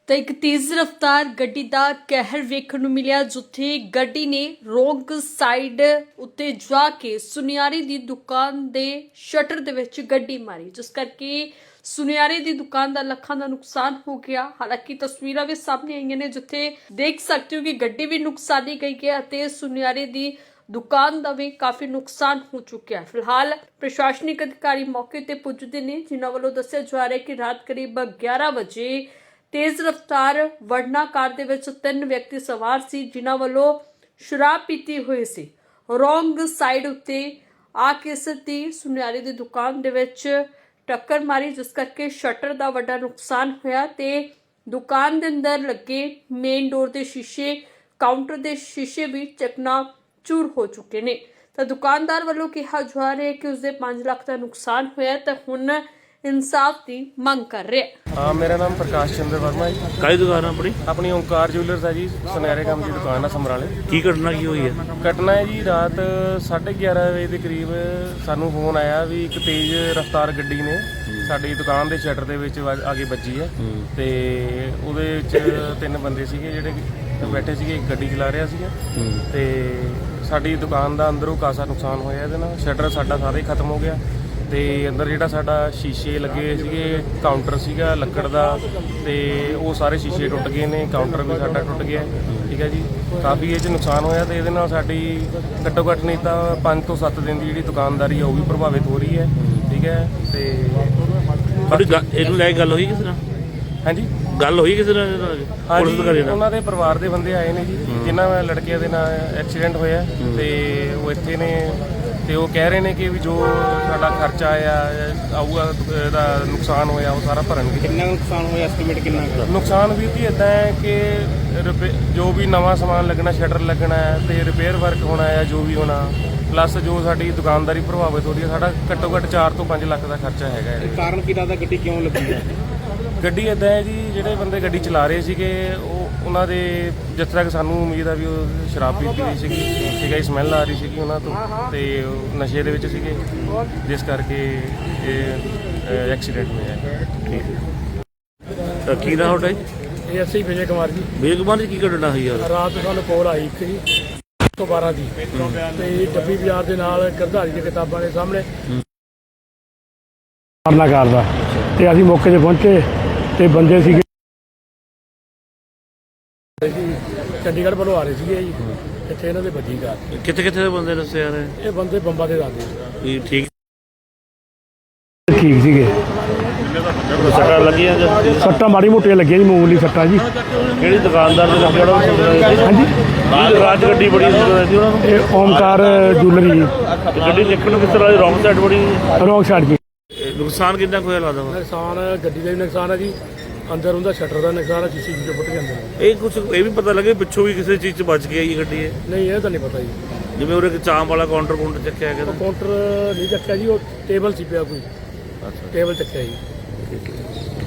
ਤਾਂ ਇੱਕ ਤੇਜ਼ ਰਫ਼ਤਾਰ ਗੱਡੀ ਦਾ ਕਹਿਰ ਵੇਖਣ ਨੂੰ ਮਿਲਿਆ, ਜਿੱਥੇ ਗੱਡੀ ਨੇ ਰੋਂਗ ਸਾਈਡ ਉੱਤੇ ਜਾ ਕੇ ਸੁਨਿਆਰੇ ਦੀ ਦੁਕਾਨ ਦੇ ਸ਼ਟਰ ਦੇ ਵਿੱਚ ਗੱਡੀ ਮਾਰੀ, ਜਿਸ ਕਰਕੇ ਸੁਨਿਆਰੇ ਦੀ ਦੁਕਾਨ ਦਾ ਲੱਖਾਂ ਦਾ ਨੁਕਸਾਨ ਹੋ ਗਿਆ। ਹਾਲਾਂਕਿ ਤਸਵੀਰਾਂ ਵੀ ਸਾਹਮਣੇ ਆਈਆਂ ਨੇ, ਜਿੱਥੇ ਦੇਖ ਸਕਦੇ ਹੋ ਕਿ ਗੱਡੀ ਵੀ ਨੁਕਸਾਨੀ ਗਈ ਹੈ ਅਤੇ ਸੁਨਿਆਰੇ ਦੀ ਦੁਕਾਨ ਦਾ ਵੀ ਕਾਫੀ ਨੁਕਸਾਨ ਹੋ ਚੁੱਕਿਆ। ਫਿਲਹਾਲ ਪ੍ਰਸ਼ਾਸਨਿਕ ਅਧਿਕਾਰੀ ਮੌਕੇ ਤੇ ਪੁੱਜਦੇ ਨੇ, ਜਿਨ੍ਹਾਂ ਵੱਲੋਂ ਦੱਸਿਆ ਜਾ ਰਿਹਾ ਹੈ ਕਿ ਰਾਤ ਕਰੀਬ 11 ਵਜੇ ਤੇਜ਼ ਰਫ਼ਤਾਰ ਵਰਨਾ ਕਾਰ ਦੇ ਵਿੱਚ 3 ਵਿਅਕਤੀ ਸਵਾਰ ਸੀ, ਜਿਨ੍ਹਾਂ ਵੱਲੋਂ ਸ਼ਰਾਬ ਪੀਤੀ ਹੋਈ ਸੀ। ਰੋਂਗ ਸਾਈਡ ਉੱਤੇ ਆ ਕੇ ਸਿੱਧੀ ਸੁਨਿਆਰੇ ਦੀ ਦੁਕਾਨ ਦੇ ਵਿੱਚ ਟੱਕਰ ਮਾਰੀ, ਜਿਸ ਕਰਕੇ ਸ਼ਟਰ ਦਾ ਵੱਡਾ ਨੁਕਸਾਨ ਹੋਇਆ ਤੇ ਦੁਕਾਨ ਦੇ ਅੰਦਰ ਲੱਗੇ ਮੇਨ ਡੋਰ ਦੇ ਸ਼ੀਸ਼ੇ, ਕਾਊਂਟਰ ਦੇ ਸ਼ੀਸ਼ੇ ਵੀ ਚਕਨਾਚੂਰ ਹੋ ਚੁੱਕੇ ਨੇ। ਤਾਂ ਦੁਕਾਨਦਾਰ ਵੱਲੋਂ ਕਿਹਾ ਜਾ ਰਿਹਾ ਹੈ ਕਿ ਉਸਦੇ 5 ਲੱਖ ਦਾ ਨੁਕਸਾਨ ਹੋਇਆ ਤਾਂ ਹੁਣ इंसाफ की मंग कर रहे हैं। हाँ, मेरा नाम प्रकाश चंद्र वर्मा है। काई दुकान है अपनी? अपनी ओंकार ज्वेलर्स है जी, सुनहरे काम की दुकान है समराले। की घटना की हुई है? घटना है जी रात 11:30 बजे के करीब सानू फोन आया भी एक तेज रफ्तार गड्डी ने साडी दुकान के शटर दे विच आगे ਵੱਜੀ है ਤੇ ਉਹਦੇ ਵਿੱਚ 3 ਬੰਦੇ ਸੀਗੇ ਜਿਹੜੇ ਬੈਠੇ ਸੀਗੇ, ਇੱਕ ਗੱਡੀ ਚਲਾ ਰਿਹਾ ਸੀਗਾ ਤੇ ਸਾਡੀ ਦੁਕਾਨ ਦਾ ਅੰਦਰੋਂ ਕਾਸਾ ਨੁਕਸਾਨ ਹੋਇਆ ਇਹਦੇ ਨਾਲ। ਸ਼ਟਰ ਸਾਡਾ ਸਾਰਾ ਹੀ ਖਤਮ ਹੋ ਗਿਆ ਤੇ ਅੰਦਰ ਜਿਹੜਾ ਸਾਡਾ ਸ਼ੀਸ਼ੇ ਲੱਗੇ ਹੋਏ ਸੀਗੇ, ਕਾਊਂਟਰ ਸੀਗਾ ਲੱਕੜ ਦਾ ਤੇ ਉਹ ਸਾਰੇ ਸ਼ੀਸ਼ੇ ਟੁੱਟ ਗਏ ਨੇ, ਕਾਊਂਟਰ ਵੀ ਸਾਡਾ ਟੁੱਟ ਗਿਆ। ਠੀਕ ਹੈ ਜੀ, ਕਾਫੀ ਇਹ 'ਚ ਨੁਕਸਾਨ ਹੋਇਆ ਤੇ ਇਹਦੇ ਨਾਲ ਸਾਡੀ ਘੱਟੋ ਘੱਟ ਨਹੀਂ ਤਾਂ 5 ਤੋਂ 7 ਦਿਨ ਦੀ ਜਿਹੜੀ ਦੁਕਾਨਦਾਰੀ ਆ ਉਹ ਵੀ ਪ੍ਰਭਾਵਿਤ ਹੋ ਰਹੀ ਹੈ। ਠੀਕ ਹੈ ਤੇ ਇਹਨੂੰ ਲੈ ਕੇ ਗੱਲ ਹੋਈ ਕਿਸੇ ਨਾਲ? ਹਾਂਜੀ, ਗੱਲ ਹੋਈ ਕਿਸੇ ਨਾਲ? ਹਾਂਜੀ, ਉਹਨਾਂ ਦੇ ਪਰਿਵਾਰ ਦੇ ਬੰਦੇ ਆਏ ਨੇ ਜੀ, ਜਿਨ੍ਹਾਂ ਲੜਕਿਆਂ ਦੇ ਨਾਲ ਐਕਸੀਡੈਂਟ ਹੋਇਆ ਤੇ ਉਹ ਇੱਥੇ ਨੇ ਤੇ ਉਹ ਕਹਿ ਰਹੇ ਨੇ ਕਿ ਵੀ ਜੋ ਸਾਡਾ ਖਰਚਾ ਆਊਗਾ ਇਹਦਾ ਨੁਕਸਾਨ ਹੋਇਆ ਉਹ ਸਾਰਾ ਭਰਨਗੇ। ਕਿੰਨਾ ਨੁਕਸਾਨ ਹੋਇਆ, ਐਸਟੀਮੇਟ ਕਿੰਨਾ? ਨੁਕਸਾਨ ਵੀ ਜੀ ਇੱਦਾਂ ਹੈ ਕਿ ਜੋ ਵੀ ਨਵਾਂ ਸਮਾਨ ਲੱਗਣਾ, ਸ਼ਟਰ ਲੱਗਣਾ ਹੈ ਤੇ ਰਿਪੇਅਰ ਵਰਕ ਹੋਣਾ ਹੈ, ਜੋ ਵੀ ਹੋਣਾ ਪਲੱਸ ਜੋ ਸਾਡੀ ਦੁਕਾਨਦਾਰੀ ਪ੍ਰਭਾਵਿਤ ਹੋ ਰਹੀ ਹੈ, ਸਾਡਾ ਘੱਟੋ ਘੱਟ 4 ਤੋਂ 5 ਲੱਖ ਦਾ ਖਰਚਾ ਹੈਗਾ ਹੈ। ਕਾਰਨ ਕੀ ਲੱਗਦਾ ਗੱਡੀ ਕਿਉਂ ਲੱਗੀ ਹੈ? ਗੱਡੀ ਇੱਦਾਂ ਹੈ ਜੀ, ਜਿਹੜੇ ਬੰਦੇ ਗੱਡੀ ਚਲਾ ਰਹੇ ਸੀਗੇ ਉਹਨਾਂ ਦੇ ਜਿਸ ਤਰ੍ਹਾਂ ਕਿ ਸਾਨੂੰ ਉਮੀਦ ਆ ਵੀ ਉਹ ਸ਼ਰਾਬ ਪੀਤੀ ਹੋਈ ਸੀਗੀ, ਠੀਕ ਹੈ, ਸਮੈਲ ਆ ਰਹੀ ਸੀਗੀ ਉਹਨਾਂ ਤੋਂ ਤੇ ਉਹ ਨਸ਼ੇ ਦੇ ਵਿੱਚ ਸੀਗੇ, ਜਿਸ ਕਰਕੇ ਇਹ ਐਕਸੀਡੈਂਟ ਹੋਇਆ। ਠੀਕ ਹੈ, ਤਾਂ ਕੀ ਨਾਮ ਤੁਹਾਡਾ ਜੀ? ਇਹ ਅਸੀਂ ਵਿਜੇ ਕੁਮਾਰ ਜੀ। ਵਿਜੇ ਕੁਮਾਰ ਜੀ, ਕੀ ਘਟਨਾ ਹੋਈ ਯਾਰ? ਰਾਤ ਨੂੰ ਸਾਨੂੰ ਕੋਲ ਆਈ ਇੱਕ ਜੀ 112 ਦੀ ਤੇ ਡੱਬੀ ਬਾਜ਼ਾਰ ਦੇ ਨਾਲ ਗਰਧਾਰੀ ਦੀ ਕਿਤਾਬਾਂ ਦੇ ਸਾਹਮਣੇ ਮਾਰਨਾ ਕਰਦਾ ਤੇ ਅਸੀਂ ਮੌਕੇ ਤੇ ਪਹੁੰਚੇ ਤੇ ਬੰਦੇ ਸੀਗੇ ਚੰਡੀਗੜ੍ਹ ਵੱਲੋਂ ਆ ਰਹੇ ਸੀਗੇ ਜੀ, ਇੱਥੇ ਇਹਨਾਂ ਦੇ ਵੱਜੀ ਕਾਰ। ਕਿੱਥੇ ਕਿੱਥੇ ਦੇ ਬੰਦੇ ਦੱਸੇ ਯਾਰ? ਇਹ ਬੰਦੇ ਬੰਬਾਂ ਦੇ ਦੱਸਦੇ ਠੀਕ ਠੀਕ ਸੀਗੇ। ਸੱਟਾਂ ਲੱਗੀਆਂ ਜਾਂ ਸੱਟਾਂ ਮਾੜੀ ਮੋਟੀਆਂ ਲੱਗੀਆਂ ਜੀ, ਮਾਮੂਲੀ ਸੱਟਾਂ ਜੀ। ਕਿਹੜੀ ਦੁਕਾਨਦਾਰ ਦੇ ਲੱਗੇ ਉਹਨਾਂ ਨੂੰ? ਹਾਂਜੀ, ਰਾਜ ਗੱਡੀ ਬੜੀ ਸੀ ਉਹਨਾਂ ਨੂੰ? ਇਹ ਓਮਕਾਰ ਜੁਐਲਰੀ ਜੀ। ਗੱਡੀ ਦੇਖਣ ਨੂੰ ਕਿਸ ਤਰ੍ਹਾਂ ਰੌਂਗ ਸਾਈਡ ਬੜੀ? ਰੋਂਗ ਸਾਈਡ ਜੀ। ਨੁਕਸਾਨ ਕਿੰਨਾ ਕੁ ਹੋਇਆ ਲੱਗਦਾ ਵਾ? ਨੁਕਸਾਨ ਗੱਡੀ ਦਾ ਵੀ ਨੁਕਸਾਨ ਹੈ ਜੀ, ਅੰਦਰ ਉਹਦਾ ਸ਼ਟਰ ਦਾ ਨੁਕਸਾਨ ਹੈ, ਸ਼ੀਸ਼ੇ ਜਿਹੇ ਫੁੱਟ ਜਾਂਦੇ ਨੇ। ਇਹ ਕੁਝ ਇਹ ਵੀ ਪਤਾ ਲੱਗੇ ਪਿੱਛੋਂ ਵੀ ਕਿਸੇ ਚੀਜ਼ 'ਚ ਬਚ ਗਈ ਇਹ ਗੱਡੀ? ਇਹ ਨਹੀਂ, ਇਹ ਤਾਂ ਨਹੀਂ ਪਤਾ ਜੀ। ਜਿਵੇਂ ਉਹਦੇ ਚਾਂਪ ਵਾਲਾ ਕਾਊਂਟਰ ਚੱਕਿਆ ਗਿਆ? ਕਾਊਂਟਰ ਨਹੀਂ ਚੱਕਿਆ ਜੀ, ਉਹ ਟੇਬਲ ਸੀ ਪਿਆ ਕੋਈ, ਅੱਛਾ, ਟੇਬਲ ਚੱਕਿਆ ਜੀ। ਠੀਕ ਹੈ।